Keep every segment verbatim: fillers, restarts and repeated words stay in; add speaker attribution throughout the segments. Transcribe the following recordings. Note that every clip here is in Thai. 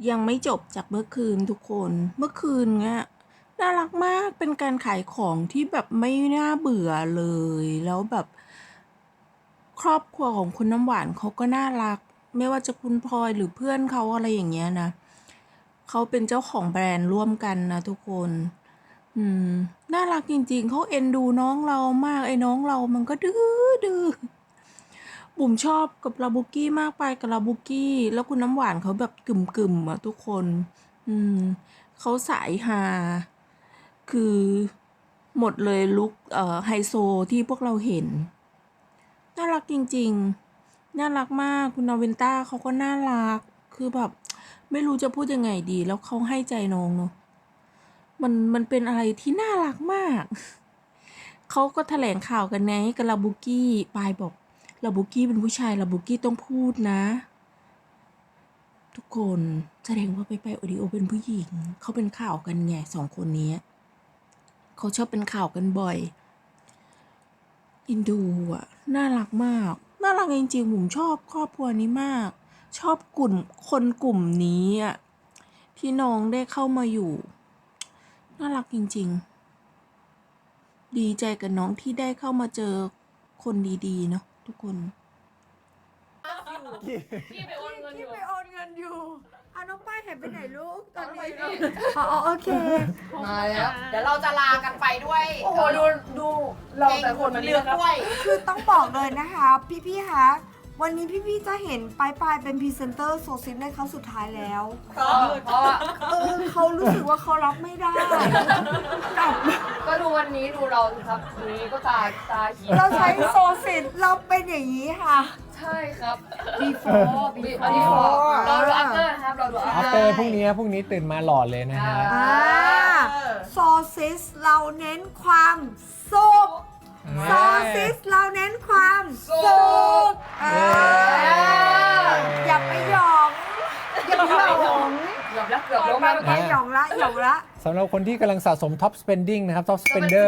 Speaker 1: ยังไม่จบจากเมื่อคืนทุกคน เมื่อคืนเนี้ยน่ารักมาก เป็นการขายของที่แบบไม่น่าเบื่อเลย แล้วแบบครอบครัวของคุณน้ำหวานเขาก็น่ารัก ไม่ว่าจะคุณพลอยหรือเพื่อนเขาอะไรอย่างเงี้ยนะ เขาเป็นเจ้าของแบรนด์ร่วมกันนะทุกคน อืม น่ารักจริงๆ เขาเอ็นดูน้องเรามาก ไอ้น้องเรามันก็ดื้อดื้อ บุ๋มชอบกับลาบุกี้มากไปกับลาบุกี้ แล้วคุณน้ำหวานเขาแบบกึ่มๆอ่ะทุกคน อืม เขาสายฮา คือหมดเลยลุคเอ่อไฮโซที่พวกเราเห็น น่ารักจริงๆ น่ารักมาก คุณนาวินต้าเขาก็น่ารัก คือแบบไม่รู้จะพูดยังไงดี แล้วเขาให้ใจน้องเนาะ มันมันเป็นอะไรที่น่ารักมาก เขาก็แถลงข่าวกันไงกับลาบุกี้ปายบอกลาบุกี้เป็นผู้ชายลาบุกี้ต้องพูดนะ ทุกคนแสดงว่าไปไปโอดิโอเป็นผู้หญิง เขาเป็นข่าวกันไงสองคนนี้ เขาชอบเป็นข่าวกันบ่อย อินดูอ่ะ น่ารักมาก น่ารักจริงๆผมชอบครอบครัวนี้มาก ชอบกลุ่มคนกลุ่มนี้อ่ะที่น้องได้เข้ามาอยู่ น่ารักจริงๆ ดีใจกับน้องที่ได้เข้ามาเจอคนดีๆเนาะทุกคน
Speaker 2: พี่ไปโอนเงินอ
Speaker 3: ที่
Speaker 2: ยู่
Speaker 3: ไปโอนเงินอยู่เอาน้องป้ายหายไปไหนลูกตอนนี้อ๋อโอเค
Speaker 2: มาแล้ว
Speaker 4: เดี๋ยวเราจะลากันไปด้วย
Speaker 2: โอ้โหดูดูเราแต่คนมัน
Speaker 4: เรื
Speaker 2: เลื
Speaker 4: อ
Speaker 2: อกครับ
Speaker 4: กล้วย
Speaker 3: คือต้องบอกเลยนะคะ พี่ๆคะวันนี้พี่ๆจะเห็นปลายปลายเป็นพรีเซนเตอร์โซซินในครั้งสุดท้ายแล้ว
Speaker 2: เพราะเพราะว่า
Speaker 3: เออเขารู้สึกว่าเขารับไม่ได้กับ
Speaker 2: ก็ดูวันนี้ดูเราสิครับดูนี้ก็ตาตาเขียว
Speaker 3: เราใช้โซซินเราเป็นอย่างนี้ค่ะ
Speaker 2: ใช่ครับ before before เราดู after นะครับเราดู
Speaker 5: อัป
Speaker 2: after
Speaker 5: เตอร์พรุ่งนี้พรุ่งนี้ตื่นมาหล่อเลยนะฮะ
Speaker 3: อ่าโซซิสเราเน้นความสุขโซซิสเราเน้นความสุขเอออย่าไปหยองอย่าไปหยอง
Speaker 2: เกือบแล้วเกือบลง
Speaker 3: ไป
Speaker 2: แล้ว
Speaker 3: ไปหยองละหยองละ
Speaker 5: สำหรับคนที่กำลังสะสม top spending นะครับ top spender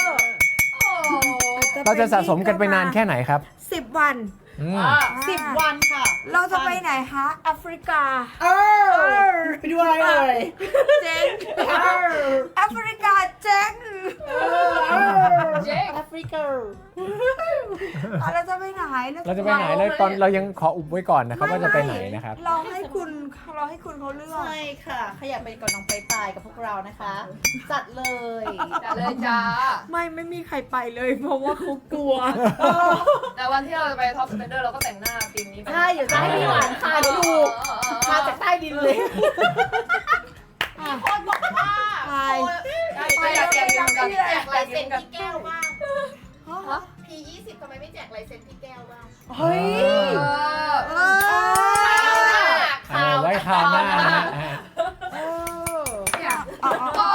Speaker 5: เราจะสะสมกันไปนานแค่ไหนครับ
Speaker 3: สิบวัน
Speaker 5: อืม
Speaker 4: สิบวันค่ะ
Speaker 3: เราจะไปไหนคะแอฟริกา
Speaker 4: เออไปดูอะไรเอ่ย
Speaker 3: เจ๊งแอฟริกาเจ๊ง
Speaker 2: เจ๊
Speaker 4: แอฟริกา
Speaker 3: อ่ะเราจะไปไหน
Speaker 5: เราจะไปไหนแล้วตอนเรายังขออุบไว้ก่อนนะครับว่าจะไปไหนนะครับ
Speaker 3: เราให้คุณเราให้คุณเขาเลือก
Speaker 4: ใช่ค่ะใครอยากไปกับน้องไปปายกับพวกเรานะคะ จัดเลย
Speaker 2: จัดเลยจ้า
Speaker 3: ไม่ไม่มีใครไปเลย เพราะว่าเขากลัว
Speaker 2: แต่วันที่เราจะไป top spender เราก็แต่งหน้าธีมนี้ไป
Speaker 4: ใช่เดี๋ยวจะให้พี่หวานค่ะเดี๋ยวดูมาจากใต้ดินเลยมีคนบอกว่า
Speaker 3: ไป
Speaker 2: ใช่ใช่อยากแจกเงินกัน
Speaker 4: แจกลายเซ็นพี่แก้วบ้าง พียี่สิบทำไมไม่แจกลายเซ็นพี่แก้วบ้าง
Speaker 3: เฮ้ย
Speaker 2: เออ
Speaker 3: เออ
Speaker 5: เออไว้คราวหน้านะฮะอ่า
Speaker 3: เอออ๋ออ๋อ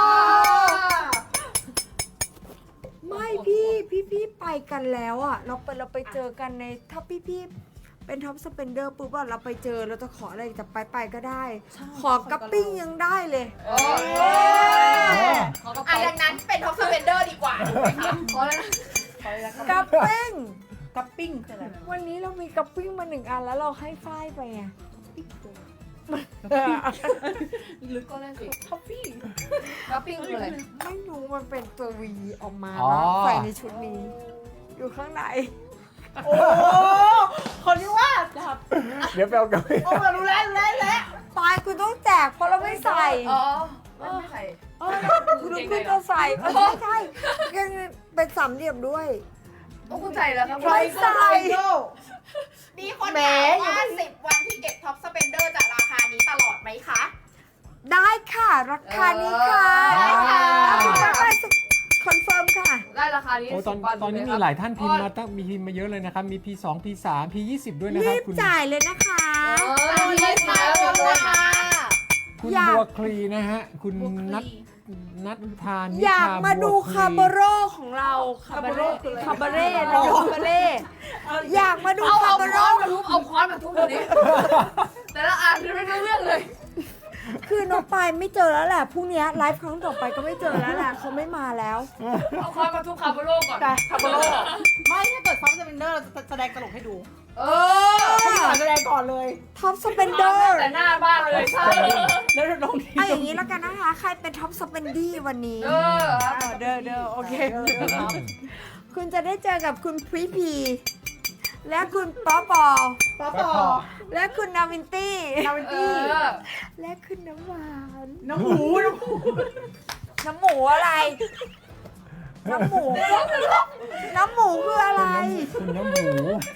Speaker 3: ไม่พี่พี่พี่ไปกันแล้วอ่ะ เราไปเราไปเจอกันในถ้าพี่พี่เป็นท็อปสเปนเดอร์ปุ๊บอะเราไปเจอเราจะขออะไรจะไปไปก็ได้ ขอกระปิ้งยังได้เลย
Speaker 2: โอ้ยเขาก็ไป
Speaker 4: อ่ะดังนั้นเป็นท็อปสเปนเดอร์ดีกว่าถูกไหมคะ
Speaker 2: เพราะอะไรนะ
Speaker 3: กระปิ้ง
Speaker 4: กับปิ้งคืออะไร
Speaker 3: วันนี้เรามีกระปิ้งมาหนึ่งอันแล้วเราให้ฝ้ายไปไง
Speaker 2: ลึกก็เล่นสิท็อปปี้ท็อปปิ้งคืออะไร
Speaker 3: ไม่รู้มันเป็นตัววีออกมา
Speaker 5: อ๋อ
Speaker 3: แล้วใส่ในชุดนี้ อยู่ข้างใน
Speaker 4: โอ้คนที่ว่าจับ
Speaker 5: เดี๋ยวไปเอากลับไป
Speaker 4: โอ้รู้แล้วรู้แล้วรู้แล้ว
Speaker 3: ปลายคุณต้องแจกเพราะเราไม่ใส่
Speaker 2: อ๋อไม่ไม่ใส่
Speaker 3: เออคุณต้องคุณจะใส่เออใช่ใช่ยังเป็นสามเหลี่ยมด้วย
Speaker 2: โอ้คุณใส่แล้วครับ
Speaker 3: ไม่ใส่
Speaker 4: มีคนถามว่าสิบวันที่เก็บท็อปสเปนเดอร์จะราคานี้ตลอดไหมคะ
Speaker 3: ได้ค่ะ ราคานี้ค่ะ
Speaker 4: ได้ค่ะ
Speaker 3: คุณจะไปคอนเฟิร์มค่ะ
Speaker 2: ได้ราคานี้
Speaker 5: โอ้ตอน
Speaker 2: สิบวั
Speaker 5: ตอนนี้มีหลายท่านพิมพ์มาตั้งมีพิมพ์มาเยอะเลยนะครับ มี พี สอง พี สาม พี ยี่สิบ ด้วยนะค
Speaker 3: รี
Speaker 5: รับบ คุณ
Speaker 3: จ่ายเลยนะคะ
Speaker 2: เออ
Speaker 4: ตาม
Speaker 2: มี
Speaker 4: เล
Speaker 2: เล่
Speaker 4: ย
Speaker 2: น
Speaker 4: ค่ะ
Speaker 2: แล้ว
Speaker 4: ขอบคุณค่ะ
Speaker 5: คุณ
Speaker 3: อยาก
Speaker 5: บัวคลีนะฮะ คุณนัทนัทพานิ
Speaker 3: อยาก
Speaker 5: ชา
Speaker 3: มาดู
Speaker 5: บัวคลี
Speaker 3: คาร์โบโรของเราคาร์โบโรคาร์โบเร่นะคาร์โบเร่อยากมาดู
Speaker 2: เอา
Speaker 3: คา
Speaker 2: เอา
Speaker 3: ร์โบโร
Speaker 2: ค้อนมาทุบเอาค้อนมาทุบตัวนี้แต่ละอันไม่รู้เรื่องเลย
Speaker 3: คือน้องปายไม่เจอแล้วแหละพรุ่งนี้ไลฟ์ครั้งต่อไปก็ไม่เจอแล้วแหละเขาไม่มาแล้ว
Speaker 2: เอาค้อนมาทุบคาร์โบโลก่อน
Speaker 4: คาร์โบโลไม่ถ้าเกิดซับสเปนเดอร์เราจะแสดงตลกให้ดู
Speaker 2: เออ
Speaker 4: ให้พี่ขวัญแสดงก่อนเลย
Speaker 3: ท็อปสเปนเดอร์
Speaker 2: แต่หน้าบ้านเลยใช่
Speaker 4: แล้วลงที่
Speaker 3: เอาอย่างนี้แล้วกันนะคะ ใครเป็นท็อปสเปนดี้วันนี้
Speaker 2: เออ
Speaker 3: อ่าเด้อเด้อโอเค คุณจะได้เจอกับคุณพรีพี และคุณป๊อปอ
Speaker 4: ป๊อปอ
Speaker 3: และคุณนาวินตี้
Speaker 4: นาวิน
Speaker 2: เอ
Speaker 4: ตี้
Speaker 2: อ
Speaker 3: และคุณน้ำหวาน
Speaker 4: น้ำหมูน้ำหมู
Speaker 3: น้ำหมูอะไร น้ำหมู น้ำหมูคืออะไร
Speaker 5: คุณน้ำหมู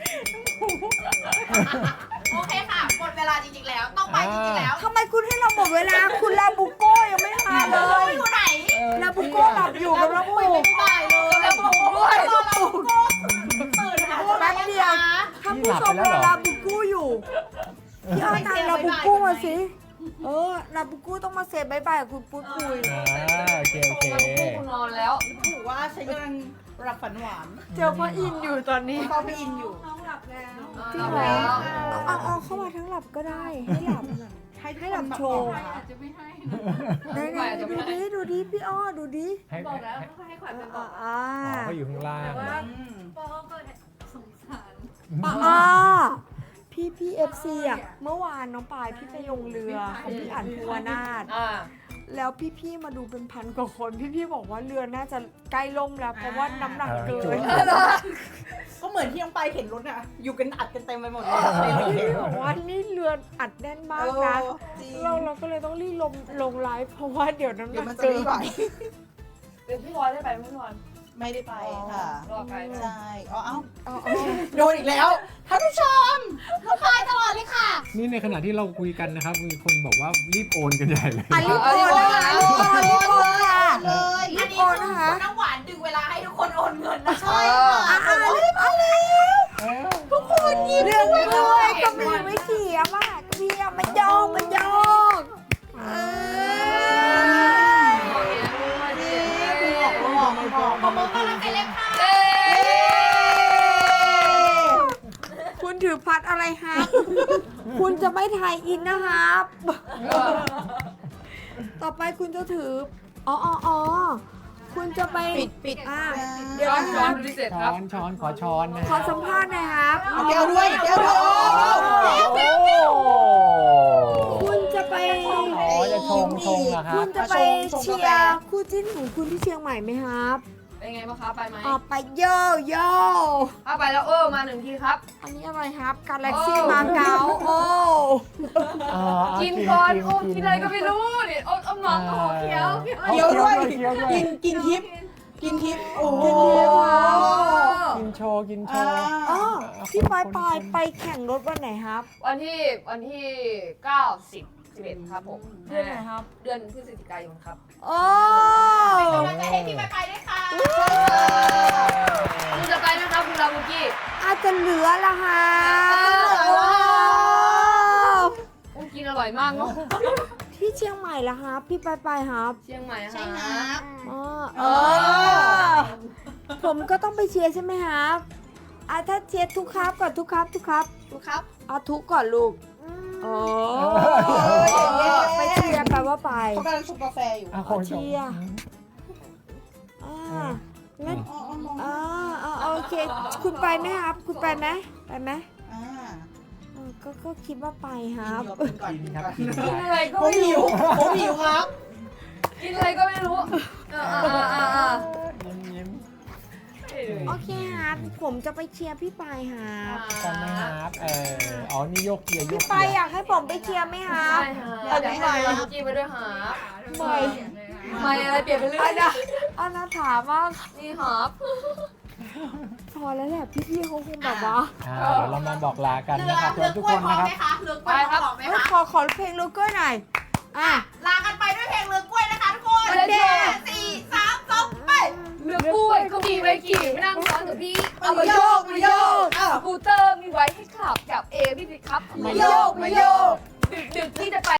Speaker 4: โอเคค่ะหมดเวลาจริงๆแล้วต้องไปจริงๆแล้ว
Speaker 3: ทำไมคุณให้เราหมดเวลา คุณลาบุโก้ยังไม่มาเลย
Speaker 4: อยู่ไหน
Speaker 3: ลาบุโก้หลับอยู่กับน้ำหมู
Speaker 4: ไม่ได้เลยแล้วหมูด้วยรอเราโก้ตื่นหา
Speaker 3: แป๊บเดียวถ้าผู้ชมรอลาบุโก้อยู่พี่อ้อยทำลาบุโก้มาสิ เออลาบุโก้ต้องมาเซฟบายบายกับคุณปุ้ยปุ้ย
Speaker 5: อ่าโอเคโอเค
Speaker 2: กูนอนแล้ว
Speaker 4: ถือว่าฉันกำลังรับฝันหวาน
Speaker 3: เจอพ่ออินอยู่ตอนนี้
Speaker 4: พอไปอินอยู่
Speaker 3: จริงเหรอเอาเอาเข้ามาทั้งหลับก็ได้ ให้หลับ
Speaker 4: ให้
Speaker 3: ให้หลับโชว์
Speaker 2: จะไม่ให้
Speaker 3: ไหนไหนดูดิดูดิพี่อ้อดูดิ
Speaker 5: ให้
Speaker 2: บอกแล้ว
Speaker 5: ให้
Speaker 2: ให้ขวัญเป็น
Speaker 3: อ่า
Speaker 2: บอก
Speaker 3: อ่า
Speaker 5: อ๋อเขาอยู่ข้างล่าง
Speaker 2: ปอก็สงสาร
Speaker 3: อ่าพี่พี่เอฟซีอ่ะเมื่อวานน้องปายพี่ไปลงเรือของพี่อั๋นภูวนาถ
Speaker 2: อ่า
Speaker 3: แล้วพี่พี่ๆมาดูเป็นพันกว่าคน พี่พี่ๆบอกว่าเรือน่าจะใกล้ล่มแล้ว เพราะว่าน้ำหนักเกิน
Speaker 4: ก็เหมือนที่น้องไปเห็นรถอะอยู่กันอัดกันเต็มไปหมดเลย
Speaker 3: พี่พี่ๆบอกว่านี่เรืออัดแน่นมากนะ
Speaker 4: เออจริง
Speaker 3: เราเราก็เลยต้องรีบลงลงไลฟ์เพราะว่าเดี๋ยวน้ำห
Speaker 4: เดี๋ย
Speaker 3: นั
Speaker 4: ว
Speaker 3: ก
Speaker 4: มันจะ
Speaker 3: เกิน
Speaker 4: ไม่ไหว
Speaker 2: เดี๋ยวพี่วอนได้ไปไหมพี่วอน
Speaker 4: ไม่ได้ไปค่ะ
Speaker 2: รอไกลไหม
Speaker 4: ใช่อ๋อเอ้า
Speaker 3: เอาเอา
Speaker 4: โดนอีกแล้วท่านผู้ชมทักทายตลอดเลยค่ะ
Speaker 5: นี่ในขณะที่เราคุยกันนะครับ มีคนบอกว่ารีบโอนกันใหญ่เลย
Speaker 3: อ่ะรีบโอนนะคะรีบโอนรีบโอนค่ะ
Speaker 4: เลย
Speaker 3: รีบโอนนะคะ
Speaker 4: น้ำหวานดึงเวลาให้ทุกคนโอนเงินนะ
Speaker 2: เอ
Speaker 4: ใช่
Speaker 2: อ
Speaker 3: อ่ะอ่ะรีบเอาแล้ว
Speaker 5: ทุกคน
Speaker 3: เรื่องไม่ด้วยก็มีไม่เขียมอ่ะก็มีอ่ะมันยองมันยองเออ
Speaker 4: คือออกออกออกขอบคุณมากเลยค่ะ
Speaker 2: เอ้ย
Speaker 3: คุณถือพัดอะไรครับ คุณจะไม่ถ่ายอินนะครับ ต่อไปคุณจะถือ อ๋ออ๋ออ๋อคุณจะไป
Speaker 4: ปิดปิด
Speaker 3: อ่ะเดี๋ยว
Speaker 2: ย้อน
Speaker 3: นะค
Speaker 2: ย้อ
Speaker 3: รั
Speaker 2: น
Speaker 3: บ
Speaker 2: พิเศษค
Speaker 5: ช้
Speaker 2: รั
Speaker 5: อบ นช้อนขอช้อนนะ
Speaker 3: ขอสัมภาษณ์หน่อยครับ
Speaker 4: เอาแก้วด้วยแก้วด้วย
Speaker 5: โอ้
Speaker 3: คุณจะไป
Speaker 5: อ๋อจะชงชงเหรอครั
Speaker 3: คุ
Speaker 5: บ
Speaker 3: ณจะไปเชียร์คู่จิ้นของคุณที่เชียงใหม่ไหมครับ
Speaker 2: เป็นไงบ้างคะไปไหม
Speaker 3: ออกไปโยโย่
Speaker 2: ถ้าไปแล้วเออมาหนึ่งทีครับ
Speaker 3: อันนี้อะไรครับ กาแล็กซี่มาเก๊าโอ้
Speaker 5: อ่า
Speaker 2: กินก่อนโอ้กินอะไรก็ไม่รู้นี่โอ้อมน้องโอ้เขียว
Speaker 4: เคี้ยวด้วย
Speaker 5: เคี้ยวด้วย
Speaker 4: กินกินทิพย์กินทิพย์โอ้โห
Speaker 5: กินโชว์กินโช
Speaker 4: อ่า
Speaker 5: ว์
Speaker 3: อ๋อพี่ปอยปอยไปแข่งรถวันไหนครับ
Speaker 2: วันที่วันที่เก้าสิบสิบเอ็ดครับผม
Speaker 3: เดือนไหนครับ
Speaker 2: เดือนพฤศจิกายนครับ
Speaker 3: โอ้
Speaker 4: กำลังใจให้พี่ไปไปด้วยค่ะ
Speaker 2: คุณจะไปนะครับคุณลาบุกี้
Speaker 3: อาจจะเหลือละฮะ
Speaker 2: อุ้กินอร่อยมากเนาะ
Speaker 3: ที่เชียงใหม่ละครับพี่ปอยปอยครับ
Speaker 2: เชียงใหม่นะ
Speaker 4: ใช่
Speaker 2: ค
Speaker 4: ค
Speaker 2: รั
Speaker 4: รับ
Speaker 3: อ๋อ
Speaker 4: เอ
Speaker 3: เอ
Speaker 4: อ
Speaker 3: อ ผมก็ต้องไปเชียร์ใช่ไหมครับอ่ะถ้าเชียร์ทุกครับก่อนทุกครับทุกครับ
Speaker 4: ดูครับ
Speaker 3: เอาทุกก่อนลูกโอ้
Speaker 4: เย้
Speaker 3: ไปเชียร์แปลว่าไป
Speaker 4: เขากำลังชงกาแฟอยู่
Speaker 5: อ่ะ
Speaker 3: ขอเชียร์ อ่างั้น
Speaker 4: อ๋ออ๋อมอง
Speaker 3: อ่าอ่าโอเค คุณไปไหมครับ คุณไปไหมไปไหม
Speaker 4: อ่า
Speaker 3: เออก็ก็คิดว่าไปครับ
Speaker 4: กินก่อน
Speaker 5: กิ
Speaker 4: กิ
Speaker 5: น
Speaker 4: น
Speaker 5: ครับ
Speaker 4: ก่อน
Speaker 5: กิน
Speaker 2: กินอะไรก็
Speaker 4: ผม
Speaker 2: ไม่
Speaker 4: หิว
Speaker 2: รู้
Speaker 4: ผมหิวครับ
Speaker 2: กินอะไรก็ไม่รู้เอออ่าอ่าอ่า
Speaker 5: ยิ้มยิ้ม
Speaker 3: โอเคครับ ผมจะไปเชียร์พี่ปายครับ
Speaker 5: กันนะครับเอออ๋อนี่โยกเกียร์โย
Speaker 3: พี่
Speaker 5: ก
Speaker 3: ปาย
Speaker 5: เกียร์
Speaker 3: อยากให้ผมไปเชียร์ไหมครับ
Speaker 2: ใช่ฮะอยากให้ลาบุกี้ไปด้วยหา
Speaker 3: ไม่
Speaker 2: ไม่อะไรเปลี่ยนไปเรื่อ
Speaker 3: อั
Speaker 2: ย
Speaker 3: นนะอันนะถามว่า
Speaker 2: นี่หอบ
Speaker 3: พอแล้วแหละพี่ๆเขาคงแบบว่า
Speaker 5: อ่าเดี๋ยวเรามาบอกลากันนะครับทุกคนนะครับ
Speaker 4: เลือกกล้วยพอไหม
Speaker 3: เอ้ย
Speaker 4: คะ
Speaker 3: ขอขอเพลงลูกเกอร์หน่อย อ่ะ
Speaker 4: ลากันไปด้วยเพลงเลือกกล้วยนะคะทุกคน
Speaker 2: เด็ก
Speaker 4: สี่สามสองไป
Speaker 2: เลือกกล้วยเขามีไว้ขี่ไม่นั่งซ้อนกับพี่เอามาโยกมาโยกสกูเตอร์มีไว้ให้ขับกับเอพี่สิครับ
Speaker 4: มาโยกมาโยก
Speaker 2: ดึกๆที่จะไป